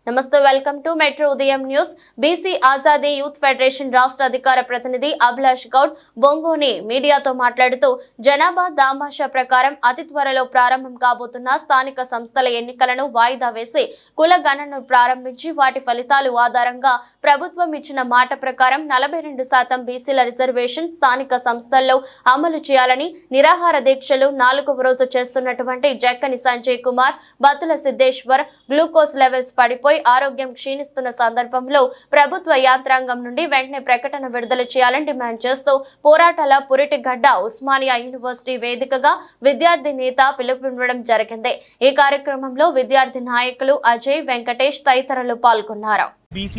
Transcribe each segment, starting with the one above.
నమస్తే, welcome to metro Udayam news. BC Azadi youth federation రాష్ట్ర అధికార ప్రతినిధి అభిలాష్ గౌడ్ బొంగోని మీడియాతో మాట్లాడుతూ జనాభా దామాషా ప్రకారం అతి త్వరలో ప్రారంభం కాబోతున్న స్థానిక సంస్థల ఎన్నికలను వాయిదా వేసి కుల గణనను ప్రారంభించి వాటి ఫలితాలు ఆధారంగా ప్రభుత్వం ఇచ్చిన మాట ప్రకారం 42% బీసీల రిజర్వేషన్ స్థానిక సంస్థల్లో అమలు చేయాలని నిరాహార దీక్షలు 4వ రోజు చేస్తున్నటువంటి జక్కని సంజయ్ కుమార్, బత్తుల సిద్ధేశ్వర్ గ్లూకోజ్ లెవెల్స్ పడిపోయి ఆరోగ్యం క్షీణిస్తున్న సందర్భంలో ప్రభుత్వ యంత్రాంగం నుండి వెంటనే ప్రకటన విడుదల చేయాలని డిమాండ్ చేస్తూ పోరాటాల పురిటిగడ్డ ఉస్మానియా యూనివర్సిటీ వేదికగా విద్యార్థి నేత పిలుపునివ్వడం జరిగింది. ఈ కార్యక్రమంలో విద్యార్థి నాయకులు అజయ్, వెంకటేష్ తదితరులు పాల్గొన్నారు.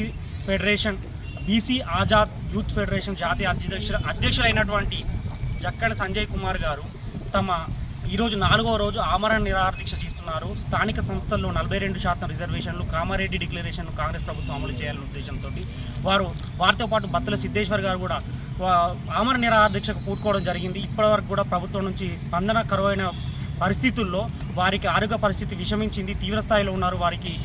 బీసీ ఆజాద్ యూత్ ఫెడరేషన్ జాతీయ అధ్యక్షులైనటువంటి జక్కని సంజయ్ కుమార్ గారు ఈరోజు 4వ రోజు ఆమరణ నిరాహార దీక్ష చేస్తున్నారు. స్థానిక సంస్థల్లో 42% రిజర్వేషన్లు కామారెడ్డి డిక్లరేషన్ కాంగ్రెస్ ప్రభుత్వం అమలు చేయాలనే ఉద్దేశంతో వారితో పాటు బత్తుల సిద్ధేశ్వర్ గారు కూడా ఆమరణ నిరాహార దీక్షకు పూనుకోవడం జరిగింది. ఇప్పటివరకు కూడా ప్రభుత్వం నుంచి స్పందన కరువైన పరిస్థితుల్లో వారికి ఆరోగ్య పరిస్థితి విషమించింది, తీవ్ర స్థాయిలో ఉన్నారు.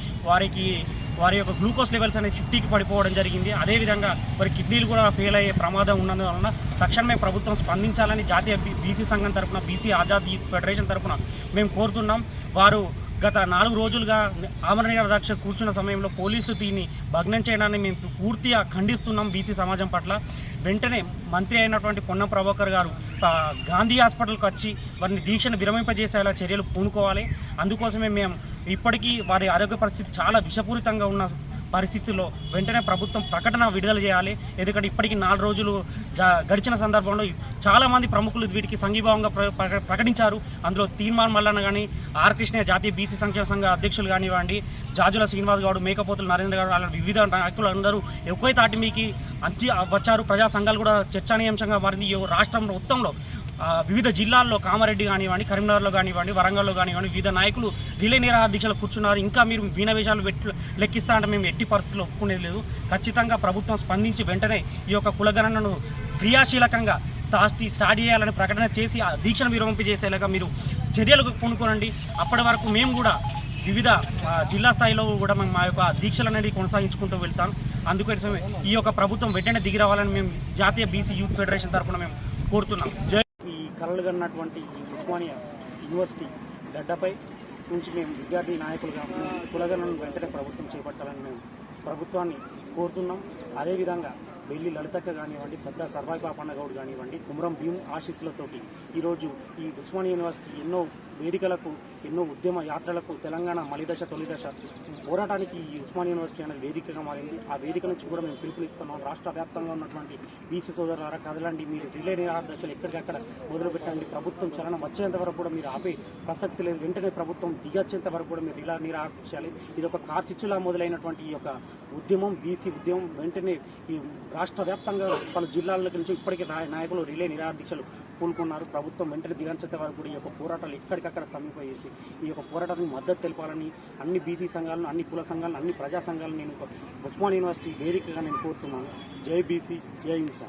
వారి యొక్క గ్లూకోజ్ లెవెల్స్ అనేది 50కి పడిపోవడం జరిగింది. అదేవిధంగా వారి కిడ్నీలు కూడా ఫెయిల్ అయ్యే ప్రమాదం ఉన్నందువలన తక్షణమే ప్రభుత్వం స్పందించాలని జాతీయ బీసీ సంఘం తరఫున, బీసీ ఆజాద్ యూత్ ఫెడరేషన్ తరఫున మేము కోరుతున్నాం. వారు గత 4 రోజులుగా ఆమరణ నిరాహార దీక్ష కూర్చున్న సమయంలో పోలీసులు దీన్ని భగ్నం చేయడాన్ని మేము పూర్తిగా ఖండిస్తున్నాం. బీసీ సమాజం పట్ల వెంటనే మంత్రి అయినటువంటి పొన్నం ప్రభాకర్ గారు గాంధీ హాస్పిటల్కి వచ్చి వారిని దీక్షను విరమింపజేసేలా చర్యలు పూనుకోవాలి. అందుకోసమే మేము ఇప్పటికీ వారి ఆరోగ్య పరిస్థితి చాలా విషపూరితంగా ఉన్న పరిస్థితుల్లో వెంటనే ప్రభుత్వం ప్రకటన విడుదల చేయాలి. ఎందుకంటే ఇప్పటికీ 4 రోజులు గడిచిన సందర్భంలో చాలామంది ప్రముఖులు వీటికి సంఘీభావంగా ప్రకటించారు. అందులో తీర్మాన్ మల్లన్న కానీ, ఆర్ కృష్ణ జాతీయ బీసీ సంక్షేమ సంఘ అధ్యక్షులు కానివ్వండి, జాజుల శ్రీనివాస్ గౌడ్, మేకపోతుల నరేంద్ర గౌడ్, అలా వివిధ నాయకులు అందరూ ఎక్కువ తాటి మీకు వచ్చారు. ప్రజా సంఘాలు కూడా చర్చనీయాంశంగా మారింది. ఈ రాష్ట్రం మొత్తంలో వివిధ జిల్లాల్లో కామారెడ్డి కానివ్వండి, కరీంనగర్లో కానివ్వండి, వరంగల్లో కానివ్వండి వివిధ నాయకులు రిలే నిరాహార దీక్షలు కూర్చున్నారు. ఇంకా మీరు వీణవేషాలు లెక్కిస్తా అంటే మేము ఎట్టి పరిస్థితుల్లో ఒప్పుకునేది లేదు. ఖచ్చితంగా ప్రభుత్వం స్పందించి వెంటనే ఈ యొక్క కులగణనను క్రియాశీలకంగా స్టార్ట్ చేయాలని ప్రకటన చేసి ఆ దీక్షను విరమింపజేసేలాగా మీరు చర్యలకు పూనుకోనండి. అప్పటి వరకు మేము కూడా వివిధ జిల్లా స్థాయిలో కూడా మేము మా యొక్క దీక్షలు అనేది కొనసాగించుకుంటూ వెళ్తాం. అందుకోసమే ఈ యొక్క ప్రభుత్వం వెంటనే దిగి రావాలని మేము జాతీయ బీసీ యూత్ ఫెడరేషన్ తరఫున మేము కోరుతున్నాం. ఈ కలలు కన్నటువంటి ఉస్మానియా యూనివర్సిటీ గడ్డపై నుంచి మేము విద్యార్థి నాయకులుగా కులగణను వెంటనే ప్రభుత్వం చేపట్టాలని మేము ప్రభుత్వాన్ని కోరుతున్నాం. అదేవిధంగా బెల్లి లలితక్క కానివ్వండి, సర్వాయి పాపన్న గౌడ్ కానివ్వండి, కుమరం భీమ్ ఆశీస్సులతోటి ఈరోజు ఈ ఉస్మానియా యూనివర్సిటీ ఎన్నో వేదికలకు, ఎన్నో ఉద్యమ యాత్రలకు, తెలంగాణ మలిదశ తొలిదశ పోరాటానికి ఈ ఉస్మానియా యూనివర్సిటీ అనేది వేదికగా మారింది. ఆ వేదిక నుంచి కూడా మేము పిలుపునిస్తున్నాం. రాష్ట్ర వ్యాప్తంగా ఉన్నటువంటి బీసీ సోదరులారా కదలండి, మీరు రిలే నిరాహార దీక్షలు ఎక్కడికక్కడ మొదలుపెట్టండి. ప్రభుత్వం చలనం వచ్చేంత వరకు కూడా మీరు ఆపే ప్రసక్తి లేదు. వెంటనే ప్రభుత్వం దిగొచ్చేంత వరకు కూడా మీరు రిలే నిరాహార చేయాలి. ఇది ఒక కార్చిచ్చులా మొదలైనటువంటి ఈ యొక్క ఉద్యమం, బీసీ ఉద్యమం వెంటనే ఈ రాష్ట్ర వ్యాప్తంగా పలు జిల్లాల నుంచి ఇప్పటికే నాయకులు రిలే నిరాహార దీక్షలు పూనుకున్నారు. ప్రభుత్వం వెంటనే దిగంచేంత వరకు కూడా ఈ యొక్క పోరాటాలు ఎక్కడికక్కడ స్తంభింపజేసి ఈ యొక్క పోరాటానికి మద్దతు తెలపాలని అన్ని బీసీ సంఘాలను, అన్ని కుల సంఘాలను, అన్ని ప్రజా సంఘాలను నేను ఉస్మానియా యూనివర్సిటీ వేదికగా నేను కోరుతున్నాను. జై బీసీ, జై హింస.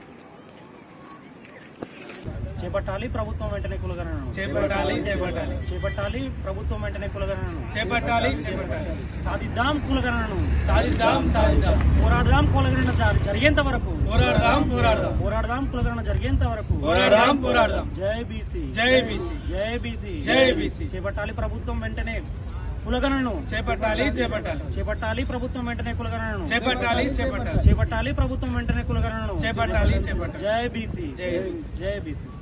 చేపట్టాలి ప్రభుత్వం వెంటనే కులగణనను, చేపట్టాలి ప్రభుత్వం వెంటనే కులగణనను, సాధిద్దాం కులగణనను, పోరాడదాం కులగణన జరిగేంత వరకు, పోరాడదాం కులగణన జరిగేంత వరకు, జై బీసీ, జై బీసీ. చేపట్టాలి ప్రభుత్వం వెంటనే కులగణనను, చేపట్టాలి ప్రభుత్వం వెంటనే కులగణనను, చేపట్టాలి ప్రభుత్వం వెంటనే కులగణనను, జై బీసీ, జై బీసీ.